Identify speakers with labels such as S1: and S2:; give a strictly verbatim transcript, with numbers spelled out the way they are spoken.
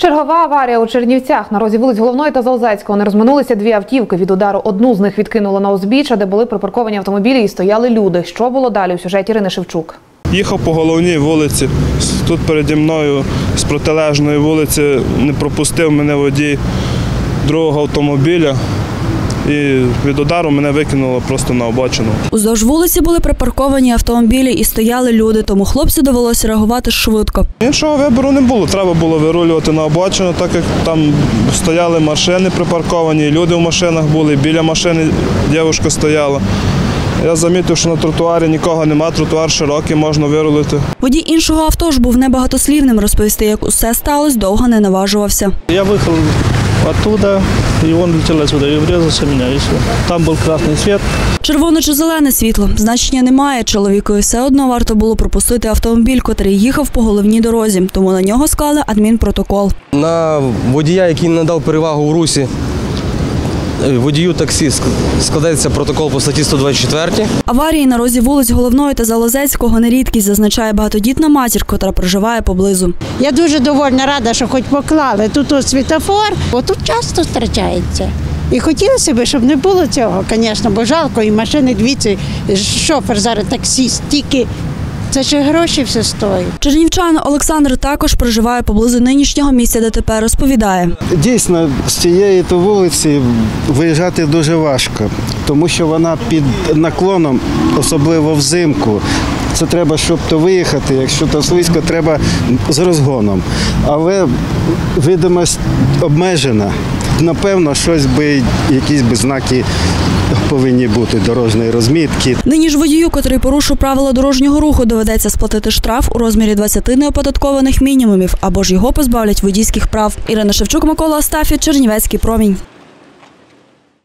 S1: Чергова аварія у Чернівцях. На розі вулиць Головної та Залозецького не розминулися дві автівки. Від удару одну з них відкинуло на узбіччя, де були припарковані автомобілі і стояли люди. Що було далі у сюжеті Ірини Шевчук.
S2: Їхав по головній вулиці. Тут переді мною з протилежної вулиці не пропустив мене водій другого автомобіля. І від удару мене викинуло просто на обочину.
S3: Уздовж вулиці були припарковані автомобілі і стояли люди, тому хлопцю довелося реагувати швидко.
S2: Іншого вибору не було. Треба було вирулювати на обочину, так як там стояли машини припарковані, і люди в машинах були, біля машини дівчинка стояла. Я замітив, що на тротуарі нікого немає, тротуар широкий, можна вирулити.
S3: Водій іншого авто ж був небагатослівним. Розповісти, як усе сталося, довго не наважувався.
S4: Я виїхав оттуда, і він летів сюди, і врізався в мене, і все. Там був красний світ.
S3: Червоне чи зелене світло – значення немає. Чоловікові все одно варто було пропустити автомобіль, котрий їхав по головній дорозі. Тому на нього склали адмінпротокол.
S5: На водія, який надав перевагу в русі, водію таксі, складається протокол по статті сто двадцять чотири.
S3: Аварії на розі вулиць Головної та Залозецького не рідкість, зазначає багатодітна матір, котра проживає поблизу.
S6: Я дуже довольна, рада, що хоч поклали тут ось світофор, бо тут часто втрачається. І хотілося б, щоб не було цього, звісно, бо жалко, і машини, дивіться, шофер зараз таксіст, тільки це ще гроші все стоїть.
S3: Чернівчанин Олександр також проживає поблизу нинішнього місця ДТП, розповідає.
S7: Дійсно, з цієї то вулиці виїжджати дуже важко, тому що вона під наклоном, особливо взимку. Це треба, щоб то виїхати, якщо то слизько, треба з розгоном. Але видимість обмежена. Напевно, щось би, якісь би знаки повинні бути дорожньої розмітки.
S3: Нині ж водію, котрий порушив правила дорожнього руху, доведеться сплатити штраф у розмірі двадцяти неоподаткованих мінімумів або ж його позбавлять водійських прав. Ірина Шевчук, Микола Астафєв, Чернівецький промінь.